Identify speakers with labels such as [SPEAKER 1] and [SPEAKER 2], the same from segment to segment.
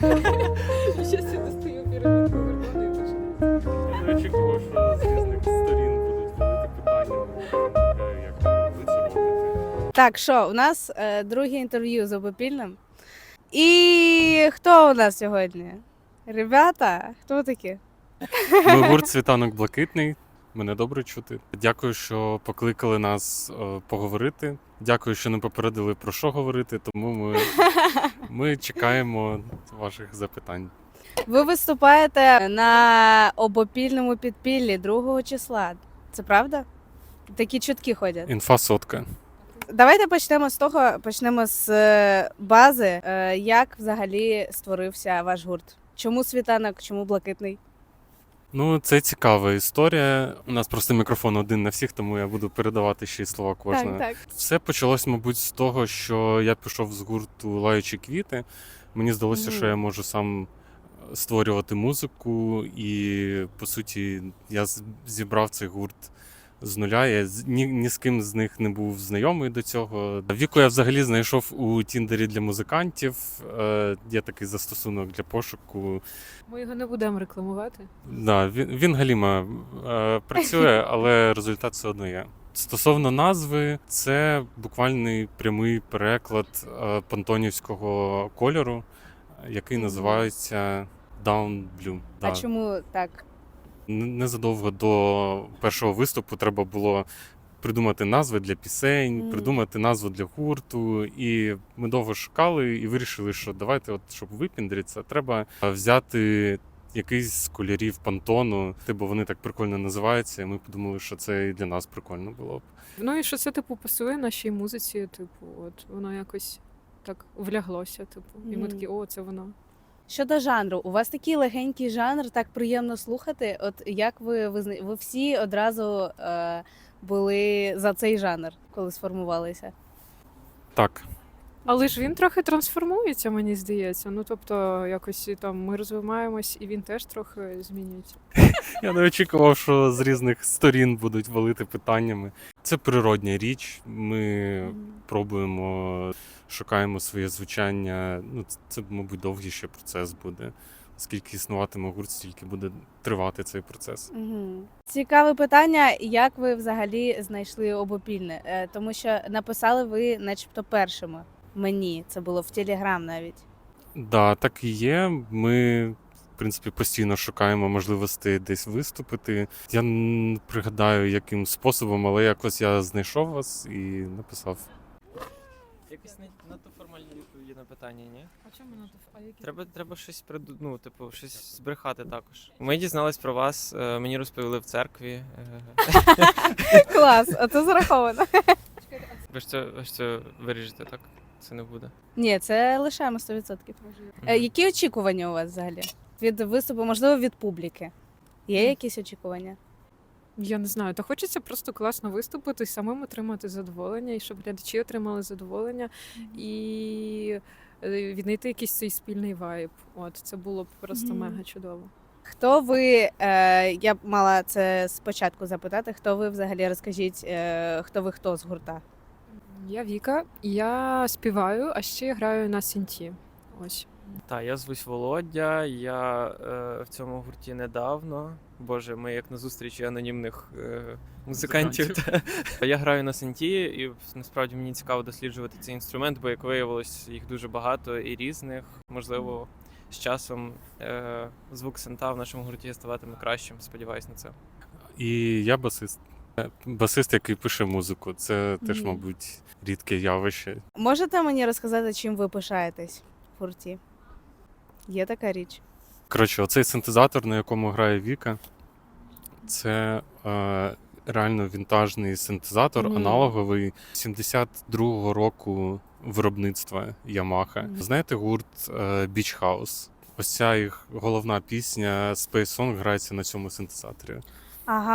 [SPEAKER 1] Щас я достаю пірамідку Гордона і починаю.
[SPEAKER 2] Я очікував, що з різних сторін будуть великі питання. Як ви це робите?
[SPEAKER 3] Так, що, у нас друге інтерв'ю з Обопільним. І хто у нас сьогодні? Ребята, хто ви такі?
[SPEAKER 2] Ми гурт «Світанок Блакитний». Мене добре чути. Дякую, що покликали нас поговорити. Дякую, що не попередили, про що говорити, тому ми чекаємо ваших запитань.
[SPEAKER 3] Ви виступаєте на Обопільному підпіллі 2 числа. Це правда? Такі чутки ходять.
[SPEAKER 2] Інфа сотка.
[SPEAKER 3] Давайте почнемо з бази. Як взагалі створився ваш гурт? Чому світанок, чому блакитний?
[SPEAKER 2] Ну, це цікава історія. У нас просто мікрофон один на всіх, тому я буду передавати ще й слова кожного.
[SPEAKER 3] Так.
[SPEAKER 2] Все почалось, мабуть, з того, що я пішов з гурту «Лаючі квіти». Мені здалося, що я можу сам створювати музику, і, по суті, я зібрав цей гурт з нуля. Я ні з ким з них не був знайомий до цього. Віку я взагалі знайшов у Тіндері для музикантів. Є такий застосунок для пошуку.
[SPEAKER 1] Ми його не будемо рекламувати.
[SPEAKER 2] Да, він галіма працює, але результат все одно є. Стосовно назви, це буквальний прямий переклад пантонівського кольору, який називається Down Blue.
[SPEAKER 3] А чому так?
[SPEAKER 2] Незадовго до першого виступу треба було придумати назви для пісень, придумати назву для гурту. І ми довго шукали і вирішили, що давайте, щоб випіндритися, треба взяти якийсь з кольорів Пантону, бо вони так прикольно називаються, і ми подумали, що це і для нас прикольно було б.
[SPEAKER 1] Ну і що це, типу, пасує нашій музиці, типу, от воно якось так вляглося, типу. І ми такі, о, це воно.
[SPEAKER 3] Щодо жанру, у вас такий легенький жанр, так приємно слухати. От як ви всі одразу були за цей жанр, коли сформувалися?
[SPEAKER 2] Так.
[SPEAKER 1] Але ж він трохи трансформується, мені здається. Ну, тобто, якось там ми розвиваємось, і він теж трохи змінюється.
[SPEAKER 2] Я не очікував, що з різних сторін будуть валити питаннями. Це природня річ. Ми пробуємо, шукаємо своє звучання. Ну, це, мабуть, довгий ще процес буде. Скільки існуватиме гурт, стільки буде тривати цей процес.
[SPEAKER 3] Цікаве питання, як ви взагалі знайшли Обопільне? Тому що написали ви начебто першими мені, це було в Телеграм навіть.
[SPEAKER 2] Да, так і є. Ми, в принципі, постійно шукаємо можливості десь виступити. Я не пригадаю, яким способом, але якось я знайшов вас і написав.
[SPEAKER 4] Якось надто формальні відповіді на питання, ні?
[SPEAKER 1] А чому на
[SPEAKER 4] Треба щось щось збрехати також. Ми дізнались про вас, мені розповіли в церкві.
[SPEAKER 3] Клас, оце зараховано.
[SPEAKER 4] Ви ж це виріжете, так? Це не буде.
[SPEAKER 3] Ні, це лишаємо 100%. Які очікування у вас взагалі? Від виступу, можливо, від публіки? Є якісь очікування?
[SPEAKER 1] Я не знаю, та хочеться просто класно виступити, самим отримати задоволення, і щоб глядачі отримали задоволення, і віднайти якийсь цей спільний вайб. От, це було б просто мега чудово.
[SPEAKER 3] Хто ви, я б мала це спочатку запитати, хто ви взагалі, розкажіть, хто з гурта?
[SPEAKER 1] Я Віка, я співаю, а ще граю на синті. Ось.
[SPEAKER 4] Так, я звусь Володя, я в цьому гурті недавно. Боже, ми як на зустрічі анонімних музикантів. Я граю на синті, і насправді мені цікаво досліджувати цей інструмент, бо, як виявилось, їх дуже багато і різних. Можливо, з часом звук синта в нашому гурті ставатиме кращим, сподіваюсь на це.
[SPEAKER 2] І я басист. Басист, який пише музику. Це теж, мабуть, рідке явище.
[SPEAKER 3] Можете мені розказати, чим ви пишаєтесь в гурті? Є така річ?
[SPEAKER 2] Коротше, оцей синтезатор, на якому грає Віка, це реально вінтажний синтезатор, аналоговий 72-го року виробництва Yamaha. Знаєте гурт Beach House? Ось ця їх головна пісня Space Song грається на цьому синтезаторі.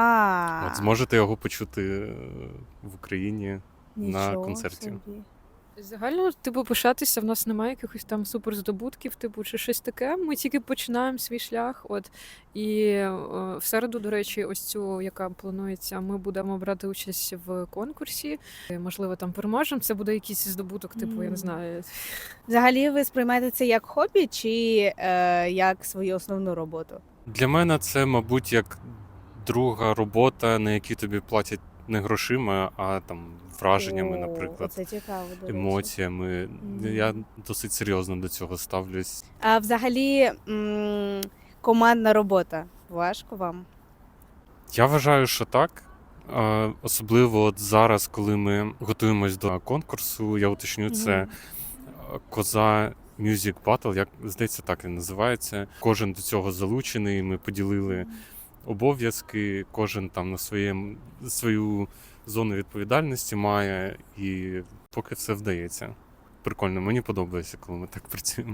[SPEAKER 3] Ага.
[SPEAKER 2] От зможете його почути в Україні на
[SPEAKER 3] Нічого
[SPEAKER 2] концерті.
[SPEAKER 3] собі.
[SPEAKER 1] Загально, типу, пишатися, в нас немає якихось там суперздобутків, типу, чи щось таке. Ми тільки починаємо свій шлях. От і в середу, до речі, ось цю, яка планується, ми будемо брати участь в конкурсі. Можливо, там переможемо. Це буде якийсь здобуток, типу, я не знаю.
[SPEAKER 3] Взагалі, ви сприймаєте це як хобі чи як свою основну роботу?
[SPEAKER 2] Для мене це, мабуть, як друга робота, на якій тобі платять не грошима, а там враженнями,
[SPEAKER 3] О,
[SPEAKER 2] наприклад,
[SPEAKER 3] Це цікаво, до речі.
[SPEAKER 2] емоціями. Я досить серйозно до цього ставлюсь.
[SPEAKER 3] А взагалі, командна робота важко вам?
[SPEAKER 2] Я вважаю, що так. Особливо от зараз, коли ми готуємось до конкурсу, я уточню, це Коза Music Battle, як здається, так він називається. Кожен до цього залучений. Ми поділили обов'язки, кожен там на свою зону відповідальності має, і поки все вдається. Прикольно, мені подобається, коли ми так працюємо.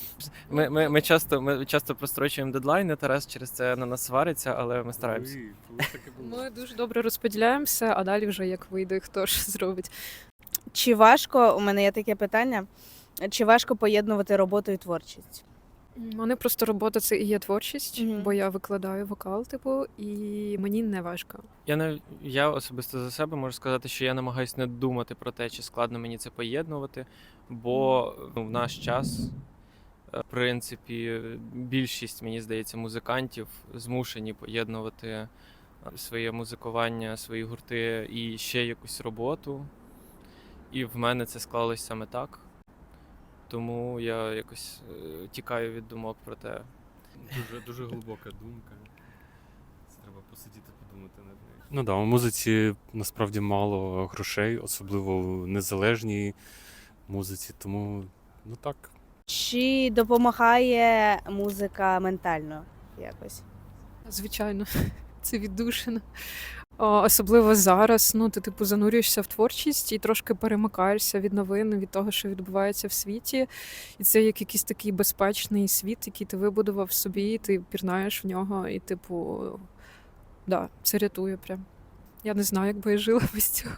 [SPEAKER 4] Ми часто прострочуємо дедлайни, Тарас через це на нас свариться, але ми стараємося.
[SPEAKER 1] Ми дуже добре розподіляємося, а далі вже як вийде, хто ж зробить.
[SPEAKER 3] Чи важко, у мене є таке питання, чи важко поєднувати роботу і творчість?
[SPEAKER 1] У мене просто робота це і є творчість,
[SPEAKER 3] Мгм.
[SPEAKER 1] бо я викладаю вокал, типу, і мені не важко.
[SPEAKER 4] Я особисто за себе можу сказати, що я намагаюся не думати про те, чи складно мені це поєднувати, бо в наш час, в принципі, більшість, мені здається, музикантів змушені поєднувати своє музикування, свої гурти і ще якусь роботу. І в мене це склалось саме так. Тому я якось тікаю від думок про те.
[SPEAKER 2] Дуже глибока думка. Треба посидіти, подумати над нею. Ну так, у музиці насправді мало грошей, особливо в незалежній музиці, тому ну так.
[SPEAKER 3] Чи допомагає музика ментально якось?
[SPEAKER 1] Звичайно, це віддушина. Особливо зараз, ну ти типу занурюєшся в творчість і трошки перемикаєшся від новин, від того, що відбувається в світі. І це як якийсь такий безпечний світ, який ти вибудував собі, ти пірнаєш в нього, і, типу, да, це рятує прям. Я не знаю, як би я жила без цього.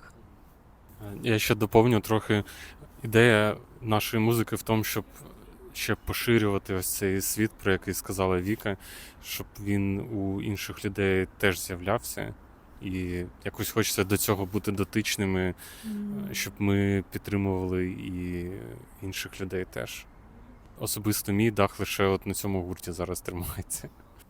[SPEAKER 2] Я ще доповню трохи. Ідея нашої музики в тому, щоб ще поширювати ось цей світ, про який сказала Віка, щоб він у інших людей теж з'являвся. І якось хочеться до цього бути дотичними, щоб ми підтримували і інших людей теж. Особисто мій дах лише от на цьому гурті зараз тримається.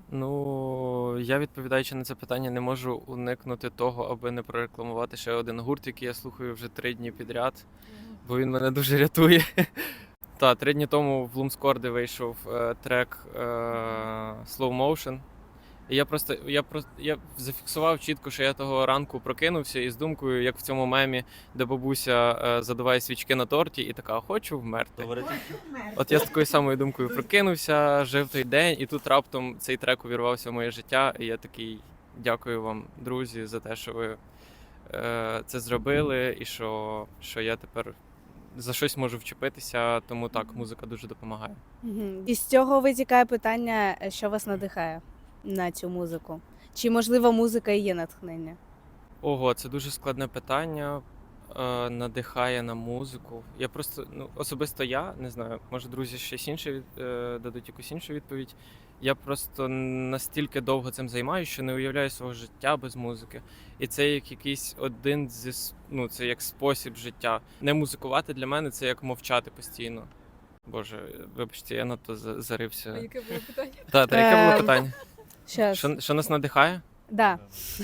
[SPEAKER 4] Ну, я відповідаючи на це питання, не можу уникнути того, аби не прорекламувати ще один гурт, який я слухаю вже 3 дні підряд, бо він мене дуже рятує. 3 дні тому в Лумскорді вийшов трек Slow Motion. І я зафіксував чітко, що я того ранку прокинувся із думкою, як в цьому мемі, де бабуся задуває свічки на торті і така: хочу вмерти. От я з такою самою думкою прокинувся, жив той день, і тут раптом цей трек увірвався в моє життя. І я такий: дякую вам, друзі, за те, що ви це зробили, і що я тепер за щось можу вчепитися. Тому так, музика дуже допомагає.
[SPEAKER 3] І з цього витікає питання, що вас надихає на цю музику? Чи, можливо, музика і є натхнення?
[SPEAKER 4] Ого, це дуже складне питання. Надихає на музику. Я просто, особисто я не знаю, може друзі щось інше дадуть якусь іншу відповідь. Я просто настільки довго цим займаюся, що не уявляю свого життя без музики. І це як якийсь один це як спосіб життя. Не музикувати для мене це як мовчати постійно. Боже, вибачте, я надто зарився.
[SPEAKER 1] А яке було питання?
[SPEAKER 4] Яке було питання?
[SPEAKER 3] Щас.
[SPEAKER 4] Що нас надихає?
[SPEAKER 3] Да.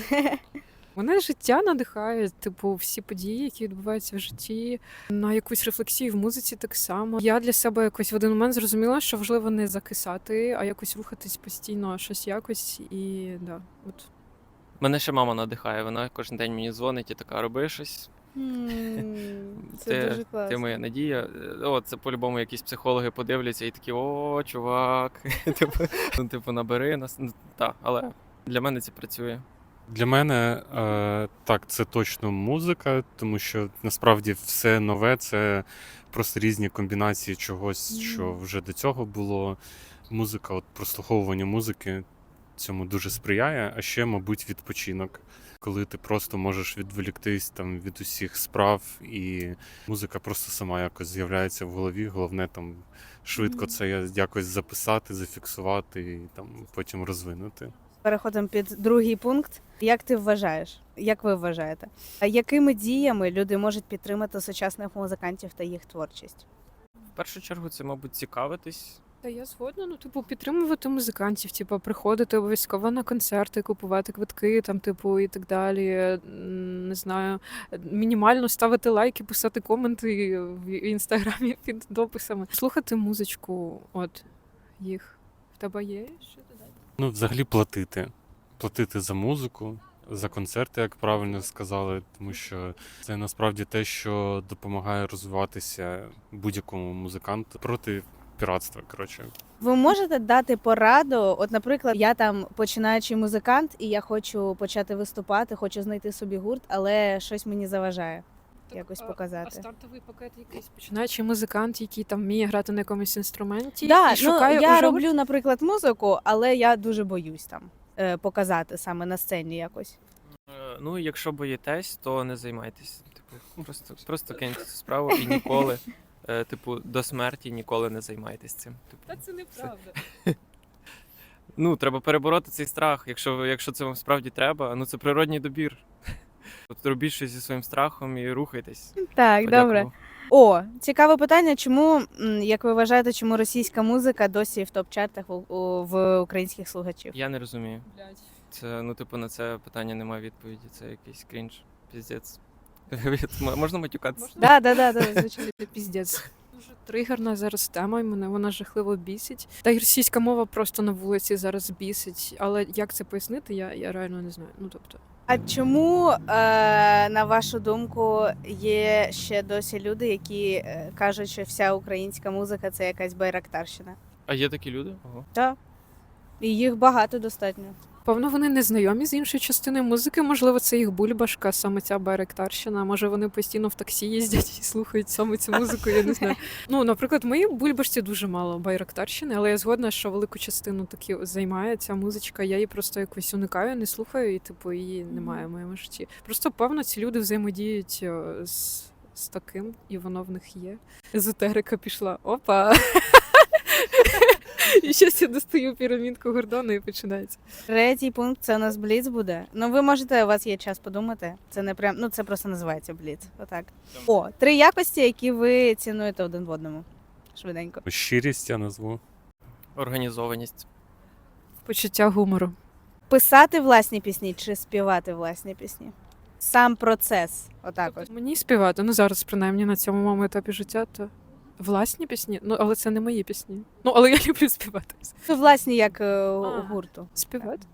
[SPEAKER 1] Мене життя надихає, типу, всі події, які відбуваються в житті, на якусь рефлексію в музиці так само. Я для себе якось в один момент зрозуміла, що важливо не закисати, а якось рухатись постійно, щось якось. І да, от.
[SPEAKER 4] Мене ще мама надихає. Вона кожен день мені дзвонить і така: роби щось.
[SPEAKER 3] Це дуже класно.
[SPEAKER 4] Ти моя надія. Це по-любому якісь психологи подивляться і такі: о, чувак, набери нас. Але для мене це працює.
[SPEAKER 2] Для мене так, це точно музика, тому що насправді все нове це просто різні комбінації чогось, що вже до цього було. Музика, прослуховування музики цьому дуже сприяє, а ще, мабуть, відпочинок. коли ти просто можеш відволіктись там від усіх справ, і музика просто сама якось з'являється в голові. Головне там швидко це якось записати, зафіксувати і там потім розвинути.
[SPEAKER 3] Переходимо під другий пункт. Як ти вважаєш? Як ви вважаєте? А якими діями люди можуть підтримати сучасних музикантів та їх творчість?
[SPEAKER 4] В першу чергу це, мабуть, цікавитись.
[SPEAKER 1] Та я згодна, ну, типу, підтримувати музикантів, типу, приходити обов'язково на концерти, купувати квитки, там, типу, і так далі. Не знаю, мінімально ставити лайки, писати коменти в інстаграмі під дописами. Слухати музичку, от їх. В тебе є що додати?
[SPEAKER 2] Ну, взагалі платити. Платити за музику, за концерти, як правильно сказали, тому що це насправді те, що допомагає розвиватися будь-якому музиканту проти піратства, коротше.
[SPEAKER 3] Ви можете дати пораду? От, наприклад, я там починаючий музикант, і я хочу почати виступати, хочу знайти собі гурт, але щось мені заважає якось показати.
[SPEAKER 1] А стартовий пакет якийсь починаючий музикант, який там вміє грати на якомусь інструменті,
[SPEAKER 3] Да,
[SPEAKER 1] і шукає
[SPEAKER 3] ну, я
[SPEAKER 1] уже
[SPEAKER 3] роблю, наприклад, музику, але я дуже боюсь там показати саме на сцені якось.
[SPEAKER 4] Ну, якщо боїтесь, то не займайтесь. Типу, просто киньте цю справу і ніколи, типу, до смерті ніколи не займайтесь цим. Типу,
[SPEAKER 1] Та це неправда.
[SPEAKER 4] ну, треба перебороти цей страх, якщо це вам справді треба. Ну, це природній добір. От робіть щось зі своїм страхом і рухайтесь.
[SPEAKER 3] Так, добре.
[SPEAKER 4] Подякував.
[SPEAKER 3] О, цікаве питання. Чому, як ви вважаєте, чому російська музика досі в топ-чартах в українських слухачів?
[SPEAKER 4] Я не розумію.
[SPEAKER 1] Блядь.
[SPEAKER 4] Це, ну, типу, на це питання немає відповіді. Це якийсь крінж. Піздець. Можна матюкатися?
[SPEAKER 3] Да, звичайно.
[SPEAKER 1] Це піздець. Дуже тригерна зараз тема, і мене вона жахливо бісить. Та й російська мова просто на вулиці зараз бісить. Але як це пояснити, я реально не знаю. Ну тобто,
[SPEAKER 3] А чому, на вашу думку, є ще досі люди, які кажуть, що вся українська музика це якась байрактарщина?
[SPEAKER 4] А є такі люди? Ого.
[SPEAKER 3] Так. І їх багато достатньо.
[SPEAKER 1] певно, вони не знайомі з іншою частиною музики. Можливо, це їх бульбашка, саме ця байрактарщина. Може, вони постійно в таксі їздять і слухають саме цю музику. Я не знаю. Ну, наприклад, в моїй бульбашці дуже мало байрактарщини, але я згодна, що велику частину таки займає ця музичка. Я її просто якось уникаю, не слухаю, і типу її немає в моєму житті. Просто певно, ці люди взаємодіють з таким, і воно в них є. Езотерика пішла. Опа. І щось я достаю пірамідку Гордона і починається.
[SPEAKER 3] Третій пункт це у нас бліц буде. Ну, ви можете, у вас є час подумати. Це не прям, ну це просто називається бліц. Отак. О, 3 якості, які ви цінуєте один в одному. Швиденько.
[SPEAKER 2] Щирість я назву.
[SPEAKER 4] Організованість.
[SPEAKER 1] Почуття гумору.
[SPEAKER 3] Писати власні пісні чи співати власні пісні? Сам процес. Отак ось.
[SPEAKER 1] Мені співати, ну зараз принаймні на цьому моєму етапі життя, то власні пісні. Ну, але це не мої пісні. Ну, але я люблю співати.
[SPEAKER 3] Ну, власні, як у гурту.
[SPEAKER 1] Співати?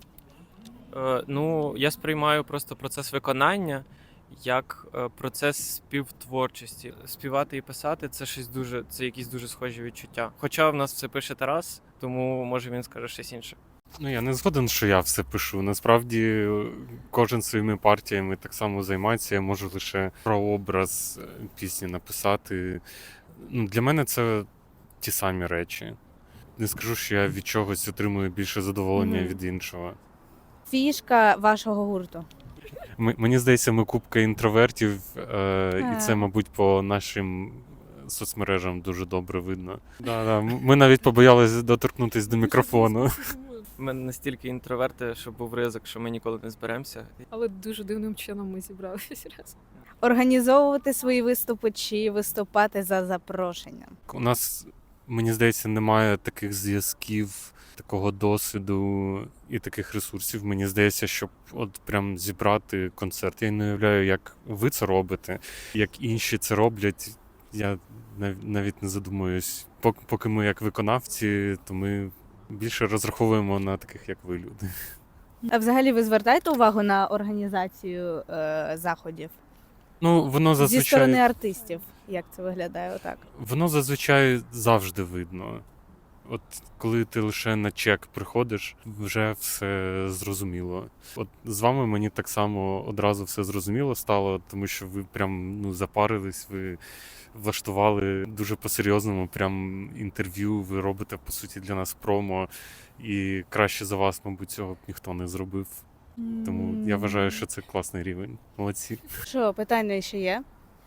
[SPEAKER 4] Ну, я сприймаю просто процес виконання як процес співтворчості. Співати і писати це щось дуже, це якісь дуже схожі відчуття. Хоча в нас все пише Тарас, тому може він скаже щось інше.
[SPEAKER 2] Ну, я не згоден, що я все пишу. Насправді, кожен своїми партіями так само займається. Я можу лише прообраз пісні написати. Ну, для мене це ті самі речі. Не скажу, що я від чогось отримую більше задоволення від іншого.
[SPEAKER 3] Фішка вашого гурту.
[SPEAKER 2] Мені здається, ми купка інтровертів, і це, мабуть, по нашим соцмережам дуже добре видно. Да. Ми навіть побоялися доторкнутися до мікрофону.
[SPEAKER 4] Ми настільки інтроверти, що був ризик, що ми ніколи не зберемося.
[SPEAKER 1] Але дуже дивним чином ми зібралися разом.
[SPEAKER 3] Організовувати свої виступи чи виступати за запрошенням.
[SPEAKER 2] У нас, мені здається, немає таких зв'язків, такого досвіду і таких ресурсів. Мені здається, щоб от прям зібрати концерт. Я не уявляю, як ви це робите, як інші це роблять. Я навіть не задумуюсь. Поки ми як виконавці, то ми більше розраховуємо на таких, як ви, люди.
[SPEAKER 3] А взагалі ви звертаєте увагу на організацію заходів?
[SPEAKER 2] Ну, воно
[SPEAKER 3] Зі сторони
[SPEAKER 2] зазвичай,
[SPEAKER 3] артистів, як це виглядає отак?
[SPEAKER 2] воно зазвичай завжди видно. От коли ти лише на чек приходиш, вже все зрозуміло. От з вами мені так само одразу все зрозуміло стало, тому що ви прям запарились, ви влаштували дуже по-серйозному прям інтерв'ю, ви робите, по суті, для нас промо, і краще за вас, мабуть, цього б ніхто не зробив. Тому я вважаю, що це класний рівень. Молодці.
[SPEAKER 3] Що, питання ще є?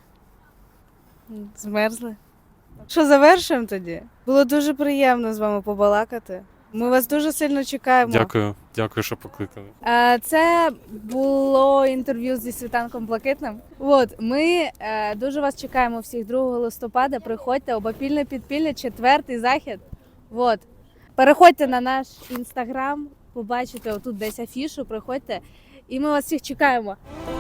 [SPEAKER 3] Змерзли? Що, завершуємо тоді? Було дуже приємно з вами побалакати. Ми вас дуже сильно чекаємо.
[SPEAKER 2] Дякую, що покликали.
[SPEAKER 3] Це було інтерв'ю зі Світанком Блакитним. Ми дуже вас чекаємо всіх 2 листопада. Приходьте, обопільне підпілля, 4-й захід. Переходьте на наш інстаграм, побачите отут десь афішу, приходьте. І ми вас всіх чекаємо.